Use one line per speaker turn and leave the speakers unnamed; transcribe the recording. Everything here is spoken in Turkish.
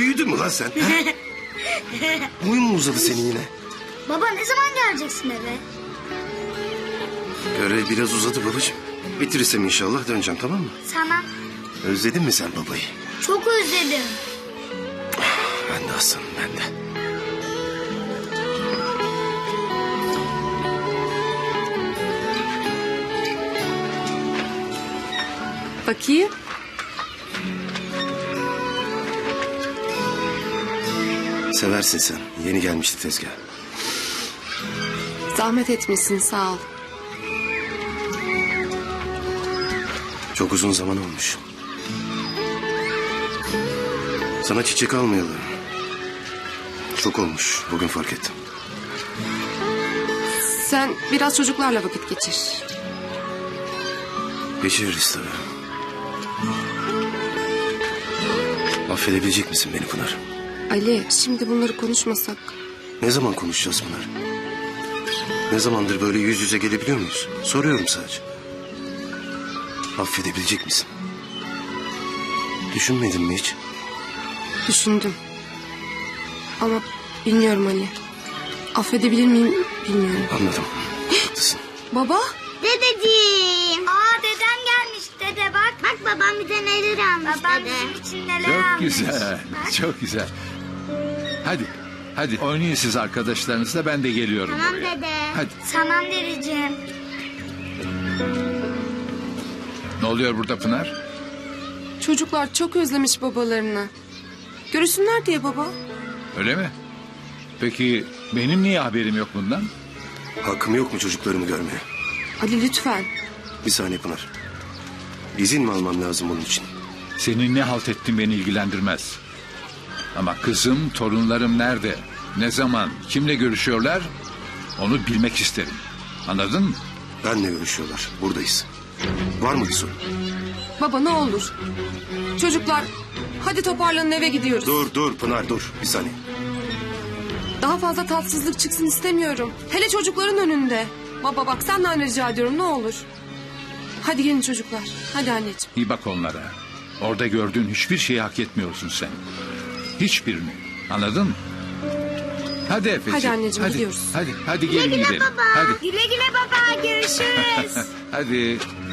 Büyüdün mü lan sen? Ha? Boyun mu uzadı senin yine?
Baba ne zaman geleceksin eve?
Görev biraz uzadı babacığım. Bitirirsem inşallah döneceğim, tamam mı?
Tamam.
Özledin mi sen babayı?
Çok özledim.
Ben de aslanım, ben de.
Bakayım.
Seversin sen. Yeni gelmişti tezgah.
Zahmet etmişsin, sağ ol.
Çok uzun zaman olmuş. Sana çiçek almayalı. Çok olmuş. Bugün fark ettim.
Sen biraz çocuklarla vakit geçir.
Geçiririz tabii. Affedebilecek misin beni Pınar?
Ali, şimdi bunları konuşmasak.
Ne zaman konuşacağız Pınar? Ne zamandır böyle yüz yüze gelebiliyor muyuz? Soruyorum sadece. Affedebilecek misin? Düşünmedin mi hiç?
Düşündüm. Ama bilmiyorum Ali. Affedebilir miyim bilmiyorum.
Anladım. Haklısın.
Baba?
Dedeciğim. Aa dedem gelmiş dede bak. Bak babam bize neler almış babam dede. Bizim için neler
Çok
almış.
güzel,
Bak.
çok güzel. Hadi oynayın siz arkadaşlarınızla, ben de geliyorum
Tamam
buraya.
dede.
Hadi.
Tamam dedeciğim.
Ne oluyor burada Pınar?
Çocuklar çok özlemiş babalarını. Görüşsünler diye baba.
Öyle mi? Peki benim niye haberim yok bundan?
Hakkım yok mu çocuklarımı görmeye?
Ali lütfen.
Bir saniye Pınar. İzin mi almam lazım bunun için?
Senin ne halt ettin beni ilgilendirmez. Ama kızım, torunlarım nerede? Ne zaman, kimle görüşüyorlar? Onu bilmek isterim. Anladın mı?
Benle görüşüyorlar. Buradayız. Var mı bir sorun?
Baba ne olur. Çocuklar hadi toparlanın, eve gidiyoruz.
Dur Pınar dur. Bir saniye.
Daha fazla tatsızlık çıksın istemiyorum. Hele çocukların önünde. Baba bak senden rica ediyorum ne olur. Hadi gelin çocuklar. Hadi anneciğim.
İyi bak onlara. Orada gördüğün hiçbir şeyi hak etmiyorsun sen. Hiçbirini. Anladın mı? Hadi Efeciğim.
Hadi anneciğim, gidiyoruz.
Hadi gelin gidelim.
Baba.
Hadi.
Güle güle baba görüşürüz.
Hadi.